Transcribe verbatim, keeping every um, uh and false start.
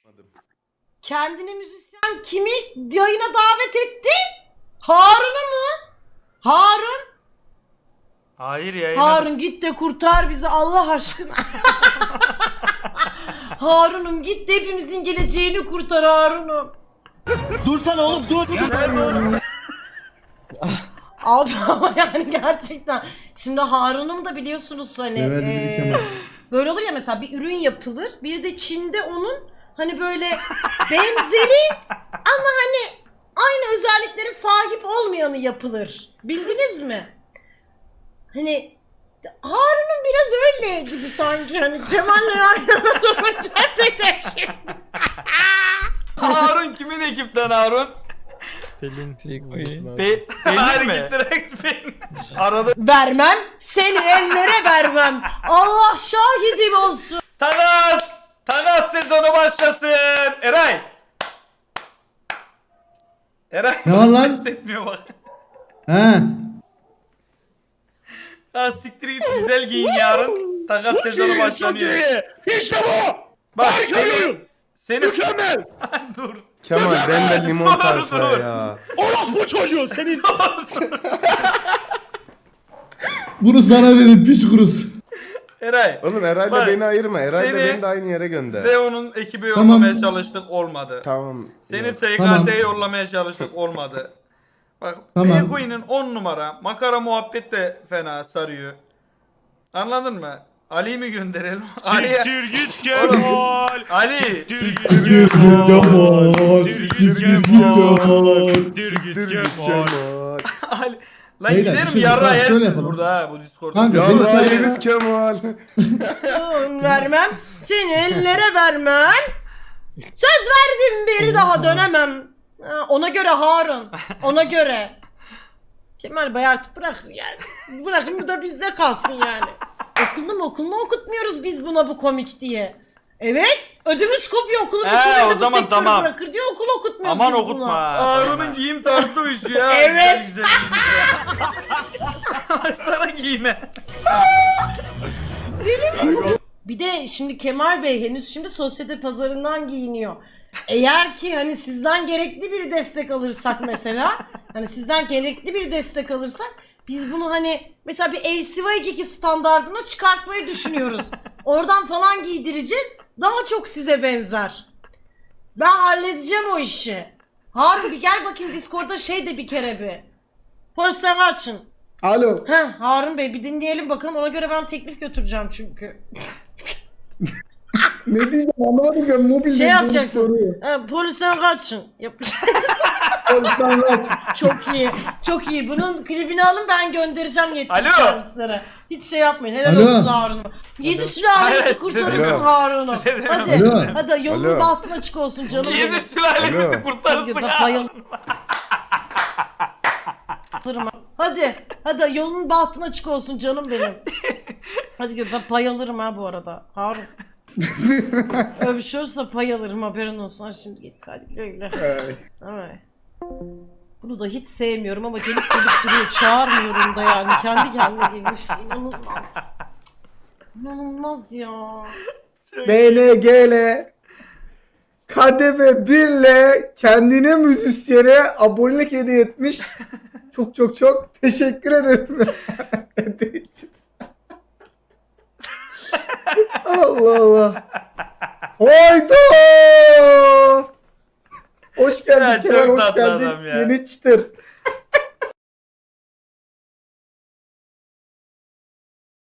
Kendine müzisyen kimi yayına davet etti? Harun'u mu? Harun? Hayır yayına. Harun git de kurtar bizi Allah aşkına. Harun'um git de hepimizin geleceğini kurtar Harun'um. Dursana oğlum dur. Abi ama yani gerçekten. Şimdi Harun'um da biliyorsunuz hani Evet, eee, böyle olur ya mesela bir ürün yapılır. Bir de Çin'de onun hani böyle benzeri ama hani aynı özelliklere sahip olmayanı yapılır. Bildiniz mi? Hani Harun'un biraz öyle gibi sanki hani Kemal'le yan yana durunca hep şimdi. Harun kimin ekipten Harun? Pelin Pelin. Pe Pelin mi? Direkt Pelin. Arada. Vermem, seni ellere vermem. Allah şahidim olsun. Tanas! Tanas sezonu başlasın. Eray. Eray. Ne var lan? Hissetmiyor bak. He. Ha siktir git güzel giyin yarın. Takas sezonu başlanıyor. İşte bu. Bak Harika seni, oyun. seni Mükemmel. dur. Kemal ben de limon Dur, tayfa dur. ya. Orospu çocuğu senin. Bunu sana dedim piç kurusu. Eray. Oğlum Eray'la Bak, beni ayırma. Eray'la seni- beni de aynı yere gönder. Zeo'nun ekibi Tamam. yollamaya çalıştık olmadı. Tamam. Seni yok. T K T'ye Tamam. yollamaya çalıştık olmadı. Bak Tamam. Beyqueen'in on numara. Makara muhabbet de fena sarıyor. Anladın mı? Ali'yi mi gönderelim? Ali'ye... Siktir git Kemal. Ali! Siktir git Siktir Kemal. Kemal. Siktir Siktir git Kemal. Kemal. Siktir Siktir git git Kemal. Kemal. Ali! Lan Beyler, bir gidelim şey yarra yok. Şöyle yersiniz yapalım. burada ha bu Discord'da. Kanka, Ya, benim- Yarra yeriz Kemal. Vermem, seni ellere vermem. Söz verdim bir daha dönemem. Ha, ona göre Harun, ona göre. Kemal Bey artık bırakın yani. Bırakın bu da bizde kalsın yani. Okulunu okulunu okutmuyoruz biz buna bu komik diye. Evet, ödümüz kopuyor okulu He, bitirince o bu zaman sektörü tamam. bırakır diye okul okutmuyoruz Aman biz okutma. buna. Harun'un giyim tarzı uyuşuyor ya. Evet. Güzel güzel. Sana giyme. Bir de şimdi Kemal Bey henüz şimdi sosyete pazarından giyiniyor. Eğer ki hani sizden gerekli bir destek alırsak mesela, hani sizden gerekli bir destek alırsak biz bunu hani mesela bir A C Y iki standardına çıkartmayı düşünüyoruz. Oradan falan giydireceğiz. Daha çok size benzer. Ben halledeceğim o işi. Harun bir gel bakayım Discord'da şey de bir kere bir. Polisten açın. Alo. Heh, Harun Bey bir dinleyelim bakalım ona göre ben teklif götüreceğim çünkü. Ne diyeceğim anlamadım mobil. Şey yapacaksın. E, polisten kaçın. Yapacaksın. Polisten kaç. Çok iyi. Çok iyi. Bunun klibini alın ben göndereceğim yetkili Alo. servislere. Hiç şey yapmayın. Helal Alo. olsun Harun'a. Yedi sülalesi Hayır, kurtarırsın size- Harun'u. Size de- Hadi. Alo. Hadi yolun Alo. bahtın açık olsun canım benim. Yedi sülalemizi Alo. Hadi kurtarırsın bak ya. bayılırım. Hadi. Hadi yolun bahtın açık olsun canım benim. Hadi gör ben pay alırım ha bu arada. Harun. Öpüşürse pay alırım haberin olsun. Hadi şimdi git hadi güle güle. Ay. Bunu da hiç sevmiyorum ama gelip gelip duruyor. Çağırmıyorum da yani. Kendi kendine gelmiş. İnanılmaz. İnanılmaz ya. B N G L Kademe birle kendine müzisyene abonelik hediye etmiş. Çok çok çok teşekkür ederim. Hediye için. Allah Allah. Hayda. Hoş geldin Ya, Kemal, çok hoş tatlı geldin. adam ya. Yeni çıtır.